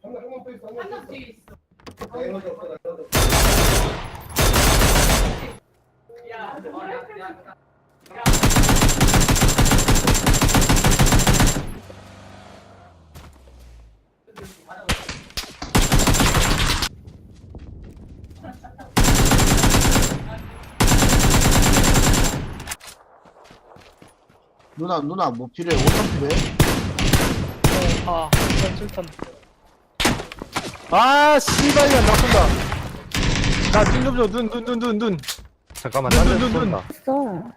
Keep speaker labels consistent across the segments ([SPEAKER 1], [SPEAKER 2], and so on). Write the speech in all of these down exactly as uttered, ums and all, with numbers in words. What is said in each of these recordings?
[SPEAKER 1] 누나 누나 뭐 필요해? 오천 필요해?
[SPEAKER 2] 아, 칠 턴. 아, 씨발이야, 나 쏜다. 나, 눈 좀 줘, 눈, 눈, 눈, 눈, 눈.
[SPEAKER 3] 잠깐만,
[SPEAKER 2] 눈,
[SPEAKER 3] 딴데
[SPEAKER 2] 눈, 눈,
[SPEAKER 3] 쏜다.
[SPEAKER 4] 있어.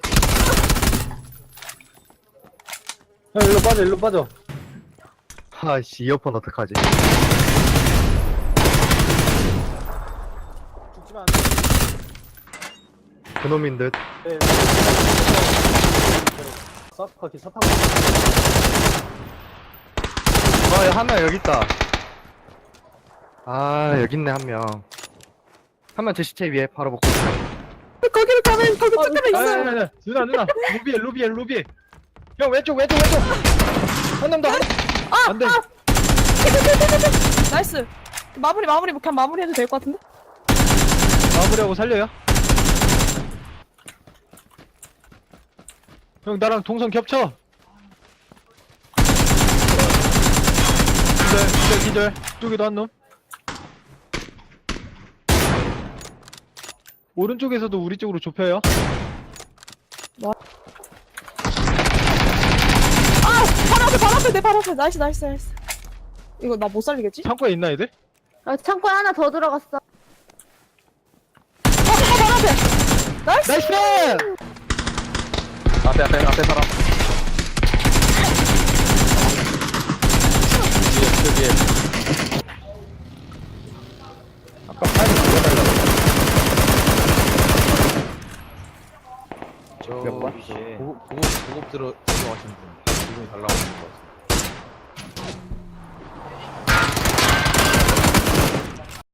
[SPEAKER 2] 형, 일로 빠져, 일로 빠져.
[SPEAKER 3] 아이씨, 이어폰 어떡하지?
[SPEAKER 2] 죽지마 안 돼.
[SPEAKER 3] 그놈인 듯.
[SPEAKER 2] 네. 서퍼기, 서퍼기.
[SPEAKER 3] 아, 야, 한 명 여기 있다. 아, 여기 있네, 한 명. 한 명 제 시체 위에 바로 먹고 있어.
[SPEAKER 4] 거기로 가면 거기 쫓겨나
[SPEAKER 2] 아니,
[SPEAKER 4] 있어.
[SPEAKER 2] 아니, 아니, 누나, 누나. 루비에, 루비에, 루비에. 형, 왼쪽, 왼쪽, 왼쪽. 한 놈 더.
[SPEAKER 4] 아,
[SPEAKER 2] 안 돼.
[SPEAKER 4] 아. 나이스. 마무리 마무리 그냥 마무리해도 될 것 같은데?
[SPEAKER 2] 마무리하고 살려요. 형, 나랑 동선 겹쳐. 기절, 기절, 기절. 쪽에도 한 놈. 오른쪽에서도 우리 쪽으로 좁혀요.
[SPEAKER 4] 아, 바로 앞에 바로 앞에 내 바로 앞에. 나이스 나이스 나이스. 이거 나 못 살리겠지?
[SPEAKER 2] 창고에 있나, 애들?
[SPEAKER 5] 아, 창고에 하나 더 들어갔어.
[SPEAKER 4] 어, 어 바로 앞에. 나이스.
[SPEAKER 2] 나이스!
[SPEAKER 3] 앞에, 앞에, 앞에 사람. 뒤에, 저 뒤에. 아까 파이브 죽여달라고. 저,
[SPEAKER 2] 몇 번?
[SPEAKER 3] 보급, 보급, 보급 들어, 들어가신 분. 지금 잘 나오는 것 같아.